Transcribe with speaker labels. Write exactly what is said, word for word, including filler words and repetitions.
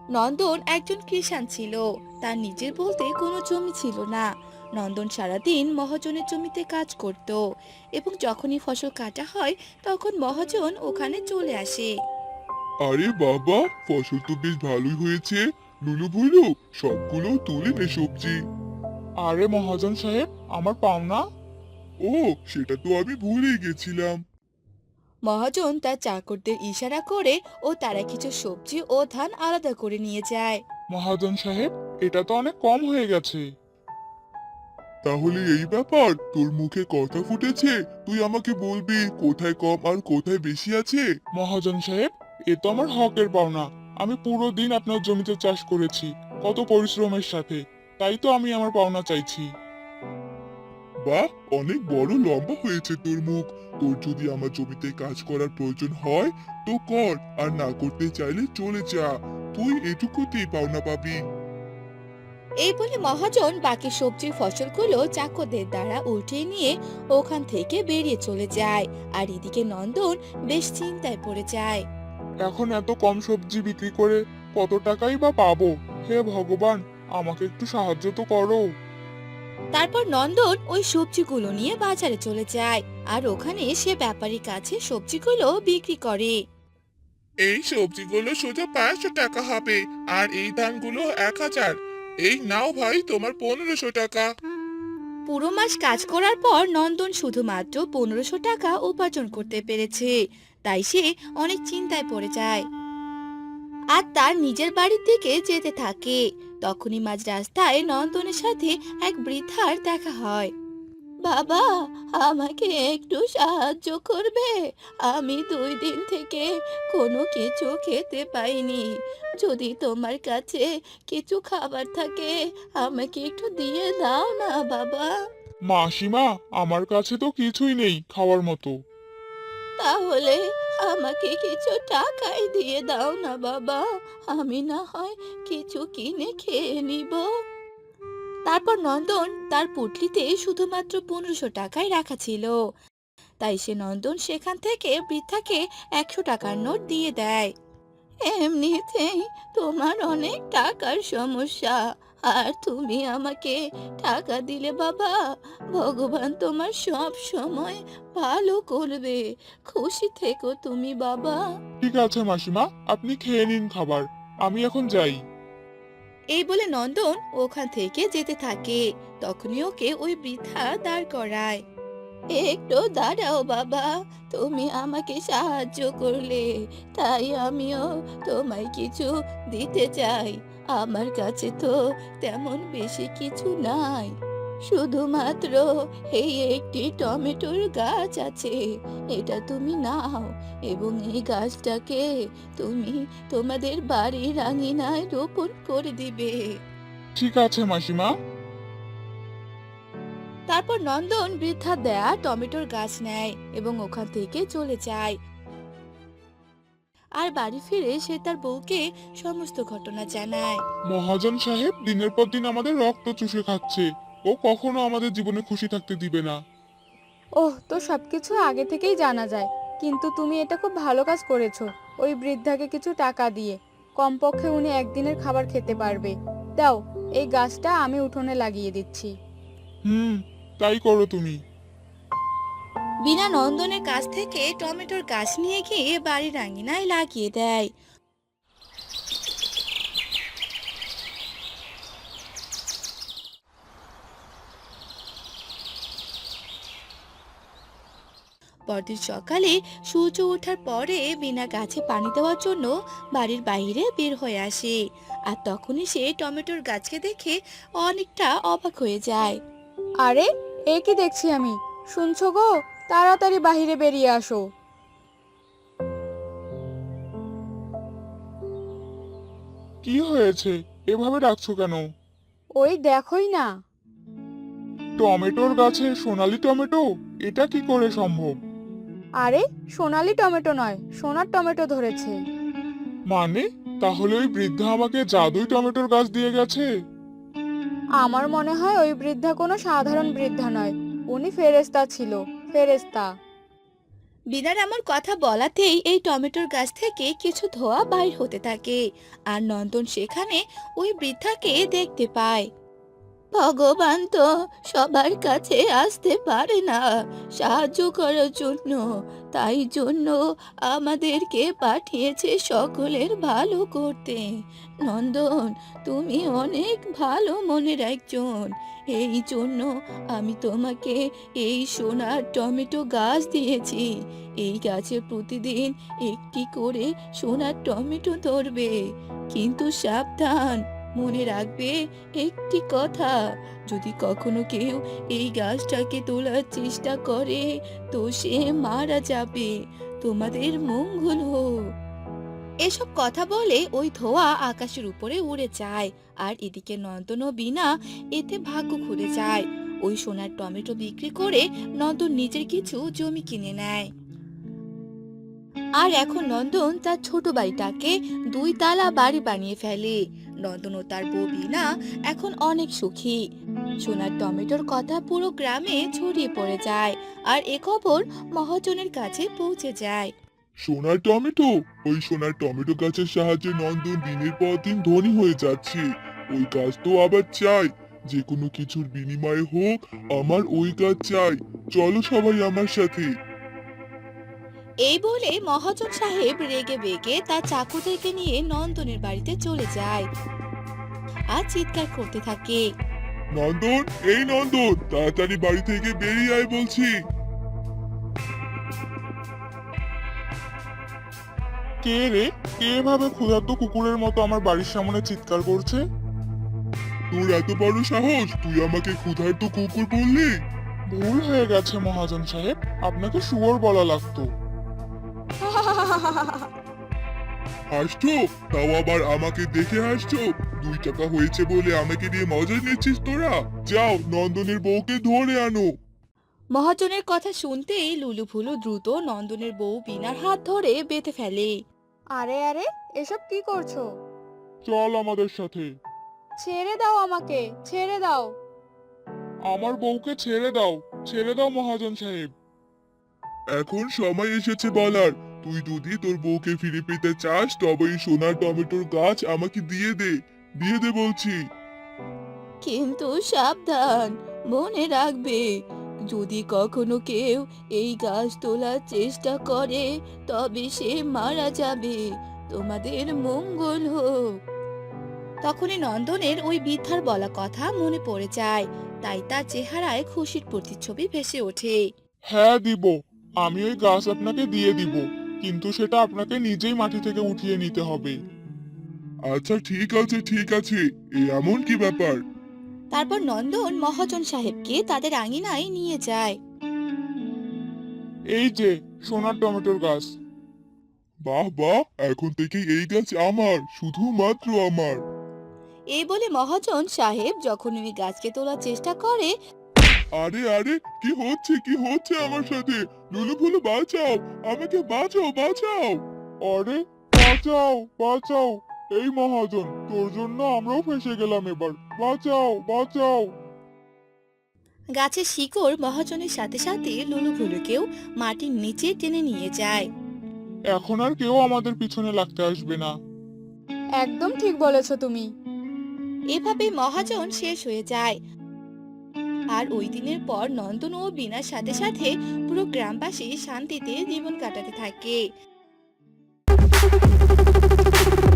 Speaker 1: নন্দন একজন কৃষাণ ছিল। তার নিজের বলতে কোনো জমি ছিল না। নন্দন সারাদিন মহাজনের জমিতে কাজ করত এবং যখনই ফসল কাটা হয় তখন মহাজন ওখানে চলে আসে।
Speaker 2: আরে বাবা, ফসল তো বেশ ভালোই হয়েছে। লুলু ভুলু, সবগুলো তুলে নে সবজি।
Speaker 3: আরে মহাজন সাহেব, আমার পাওনা।
Speaker 2: ও, সেটা তো আমি ভুলেই গেছিলাম।
Speaker 1: মহাজন তার চাকরদের ইশারা করে ও তারা কিছু সবজি ও ধান আলাদা করে নিয়ে যায়।
Speaker 3: মহাজন সাহেব, এটা তো অনেক কম হয়ে গেছে।
Speaker 2: তাহলে এই ব্যাপার, তোর মুখে কথা ফুটেছে। তুই আমাকে বলবি কোথায় কম আর কোথায় বেশি আছে।
Speaker 3: মহাজন সাহেব, এ তো আমার হকের পাওনা। আমি পুরো দিন আপনার জমিতে চাষ করেছি, কত পরিশ্রমের সাথে। তাই তো আমি আমার পাওনা চাইছি।
Speaker 2: বাহ, অনেক বড় লম্বা হয়েছে তোর মুখ। তোর যদি আমার জমিতে কাজ করার প্রয়োজন হয় তো কর, আর না করতে চাইলে চলে যা। তুই এটুকুতেই পাওনা পাবি।
Speaker 1: এই বলে মহাজন বাকি সবজির ফসলগুলো চাকরদের দ্বারা উঠিয়ে নিয়ে ওখান থেকে বেরিয়ে চলে যায়। আর এদিকে নন্দন বেশ চিন্তায় পড়ে যায়।
Speaker 3: এখন এত কম সবজি বিক্রি করে কত টাকাই বা পাবো? হে ভগবান, আমাকে একটু সাহায্য তো করো।
Speaker 1: তারপর নন্দন ওই সবজিগুলো নিয়ে বাজারে চলে যায় আর ওখানে সে ব্যাপারীর কাছে সবজিগুলো বিক্রি করে।
Speaker 4: এই সবজিগুলো শুধু পাঁচশো টাকা হবে, আর এই ধানগুলো এক হাজার। এই নাও ভাই, তোমার পনেরোশো টাকা।
Speaker 1: পুরো মাস কাজ করার পর নন্দন শুধুমাত্র পনেরোশো টাকা উপার্জন করতে পেরেছে। তাই সে অনেক চিন্তায় পড়ে যায় আর তার নিজের বাড়ির দিকে যেতে থাকে। তখনই মাঝ রাস্তায় নন্দনের সাথে এক বৃদ্ধার দেখা হয়। বাবা, আমাকে একটু সাহায্য করবে? আমি দুই দিন থেকে কোনো কিছু খেতে পাইনি। যদি তোমার কাছে কিছু খাবার থাকে আমাকে একটু দিয়ে দাও না বাবা।
Speaker 3: মাসিমা, আমার কাছে তো কিছুই নেই খাওয়ার মতো।
Speaker 1: তাহলে আমাকে কিছু টাকাই দিয়ে দাও না বাবা, আমি না হয় কিছু কিনে খেয়ে নিব। তারপর নন্দন তার পুটলিতে শুধুমাত্র পনেরোশো টাকাই রাখা ছিল। তাই সে নন্দন সেখান থেকে বৃদ্ধাকে একশো টাকার নোট দিয়ে দেয়। এমনিতেই তোমার অনেক টাকার সমস্যা, আর তুমি আমাকে টাকা দিলে বাবা, ভগবান তোমার সব সময় ভালো করবে। খুশি থেকো তুমি বাবা।
Speaker 3: ঠিক আছে মাসিমা, আপনি খেয়ে নিন খাবার। আমি এখন যাই।
Speaker 1: এই বলে নন্দন ওখান থেকে যেতে থাকে। তখনই ওকে ওই বৃদ্ধা দাঁড় করায়। একটু দাঁড়াও বাবা, তুমি আমাকে সাহায্য করলে, তাই আমিও তোমায় কিছু দিতে চাই। আমার কাছে তো তেমন বেশি কিছু নাই, শুধুমাত্র এই একটি টমেটোর গাছ আছে। এটা তুমি নাও এবং এই গাছটাকে তুমি তোমাদের বাড়ির আঙিনায় রোপণ করে দিবে।
Speaker 3: ঠিক আছে মাসিমা।
Speaker 1: তারপর নন্দন বৃদ্ধা দেয়া টমেটোর গাছ নেয় এবং ওখান থেকে চলে যায়। আর বাড়ি ফিরে সে তার বউকে সমস্ত ঘটনা জানায়।
Speaker 3: মহাজন সাহেব দিনের পর দিন আমাদের রক্ত চুষে খাচ্ছে। ও কখনো আমাদের জীবনে খুশি থাকতে দিবে না।
Speaker 5: ওহ, তো সবকিছু আগে থেকেই জানা যায়। কিন্তু তুমি এটা খুব ভালো কাজ করেছো, ওই বৃদ্ধাকে কিছু টাকা দিয়ে। কমপক্ষে উনি একদিনের খাবার খেতে পারবে। দাও, এই গাছটা আমি উঠোনে লাগিয়ে দিচ্ছি।
Speaker 3: হুম, তাই করো তুমি।
Speaker 1: বিনা নন্দনের কাছ থেকে টমেটোর গাছ নিয়ে গিয়ে বাড়ির আঙিনায় লাগিয়ে দেয়। পরদিন সকালে সূর্য ওঠার পরে বিনা গাছে পানি দেওয়ার জন্য বাড়ির বাইরে বের হয়ে আসে। আর তখনই সে টমেটোর গাছকে দেখে অনেকটা অবাক হয়ে যায়।
Speaker 5: আরে, এ কি দেখছি আমি! শুনছো গো, তাড়াতাড়ি বাইরে বেরিয়ে আসো।
Speaker 3: কি হয়েছে? এভাবে ডাকছো কেন?
Speaker 5: ওই দেখোই না।
Speaker 3: টমেটোর গাছে সোনালী টমেটো? এটা কি করে সম্ভব?
Speaker 5: আরে, সোনালি টমেটো নয়, সোনার টমেটো ধরেছে।
Speaker 3: মানে, তাহলে ওই বৃদ্ধা আমাকে জাদুই টমেটোর গাছ দিয়ে গেছে?
Speaker 5: আমার মনে হয় ওই বৃদ্ধা কোনো সাধারণ বৃদ্ধা নয়, উনি ফেরেশতা ছিল। ফেরেশতা।
Speaker 1: বিনার আমার কথা বলাতেই এই টমেটোর গাছ থেকে কিছু ধোঁয়া বাইর হতে থাকে আর নন্দন সেখানে ওই বৃদ্ধাকে দেখতে পায়। ভগবান তো সবার কাছে আসতে পারে না সাহায্য করার জন্য, তাই জন্য আমাদেরকে পাঠিয়েছে সকলের ভালো করতে। নন্দন, তুমি অনেক ভালো মনের একজন, এই জন্য আমি তোমাকে এই সোনার টমেটো গাছ দিয়েছি। এই গাছে প্রতিদিন একটি করে সোনার টমেটো ধরবে, কিন্তু সাবধান, মনে রাখবে একটি কথা, যদি কখনো কেউ এই গাছটাকে তোলার চেষ্টা করে তো সে মারা যাবে। তোমাদের মঙ্গল হোক। এসব কথা বলে ওই ধোঁয়া আকাশের উপরে উড়ে যায় আর এদিকে নন্দন ও বিনা এতে ভাগ্য খুলে যায়। ওই সোনার টমেটো বিক্রি করে নন্দন নিজের কিছু জমি কিনে নেয়। আর এখন নন্দন তার ছোট বাড়িটাকে দুই তালা বাড়ি বানিয়ে ফেলে। নন্দন ও তার বউ বিনা এখন অনেক সুখী। সোনার টমেটোর কথা পুরো গ্রামে ছড়িয়ে পড়ে যায় আর এ খবর মহাজনের কাছে পৌঁছে যায়।
Speaker 2: সোনার টমেটো, ওই সোনার টমেটো গাছের সাহায্যে নন্দন দিনের পর দিন ধনী হয়ে যাচ্ছে। ওই গাছ তো আবার চাই, যে কোনো কিছুর বিনিময়ে হোক আমার ওই গাছ চাই। চলো সবাই আমার সাথে।
Speaker 1: এই বলে মহাজন সাহেব রেগে বেগে তার চাকরদেরকে নিয়ে নন্দনের বাড়িতে চলে যায় আর চিৎকার করতে থাকে।
Speaker 2: নন্দন, এই নন্দন, তাড়াতাড়ি বাড়ি থেকে বেরিয়ে আয় বলছি।
Speaker 3: কে রে? কে এভাবে ক্ষুধার্ত কুকুরের মতো আমার বাড়ির সামনে চিৎকার করছে?
Speaker 2: তোর এত বড় সাহস, তুই আমাকে ক্ষুধার্ত কুকুর বললি?
Speaker 3: ভুল হয়ে গেছে মহাজন সাহেব, আপনাকে শুয়োর বলা লাগতো।
Speaker 2: হাসছো? তাও আবার আমাকে দেখে হাসছো? দুই টাকা হয়েছে বলে আমাকে দিয়ে মজা নিচ্ছিস তোরা? যাও নন্দনের বউকে ধরে আনো।
Speaker 1: মহাজনের কথা শুনতেই লুলু ফুলু দ্রুত নন্দনের বউ বিনার হাত ধরে বেঁধে ফেলে।
Speaker 5: আরে আরে, এসব কি করছো?
Speaker 3: চল আমাদের সাথে।
Speaker 5: ছেড়ে দাও আমাকে, ছেড়ে দাও।
Speaker 3: আমার বউকে ছেড়ে দাও, ছেড়ে দাও মহাজন সাহেব।
Speaker 2: এখন সময় এসেছে বলার, তুই যদি তোর বউকে ফিরে পেতে চাস তবে এই সোনার টমেটোর গাছ আমাকে দিয়ে দে, দিয়ে দে বলছি।
Speaker 1: কিন্তু সাবধান, মনে রাখবে, যদি কখনো কেউ এই গাছ তোলার চেষ্টা করে তবে সে মারা যাবে। তোমাদের মঙ্গল হোক। তখনই নন্দনের ওই বৃদ্ধার বলা কথা মনে পড়ে যায়, তাই তার চেহারায় খুশির প্রতিচ্ছবি ভেসে ওঠে।
Speaker 3: হ্যাঁ দিব, আমি ওই গাছ আপনাকে দিয়ে দিব, কিন্তু সেটা আপনাকে নিজেই মাটি থেকে উঠিয়ে নিতে হবে।
Speaker 2: আচ্ছা ঠিক আছে ঠিক আছে, এ এমন কি ব্যাপার?
Speaker 1: তারপর নন্দন মহাজন সাহেবকে তাদের আঙিনায় নিয়ে যায়।
Speaker 3: এই যে সোনার টমেটোর গাছ।
Speaker 2: বাহ বাহ, এখন থেকে এই গাছ আমার, শুধুমাত্র আমার।
Speaker 1: এই বলে মহাজন সাহেব যখন ওই গাছকে তোলার চেষ্টা করে,
Speaker 2: আরে আরে, কি হচ্ছে কি হচ্ছে আমার সাথে? লুলু ফুলু বাঁচাও, আমাকে বাঁচাও বাঁচাও।
Speaker 3: আরে বাঁচাও বাঁচাও, এই মহাজন, তোর জন্য আমরাও ফেঁসে গেলাম এবার, বাঁচাও বাঁচাও।
Speaker 1: গাছের শিকড় মহাজনের সাথে সাথে লুলু ফুলুকেও মাটির নিচে টেনে নিয়ে যায়।
Speaker 3: এখন আর কেউ আমাদের পিছনে লাগতে আসবে না।
Speaker 5: একদম ঠিক বলেছো তুমি।
Speaker 1: এভাবে মহাজন শেষ হয়ে যায়। আর ওই দিনের পর নন্দন ও বিনার সাথে সাথে পুরো গ্রামবাসী শান্তিতে জীবন কাটাতে থাকে।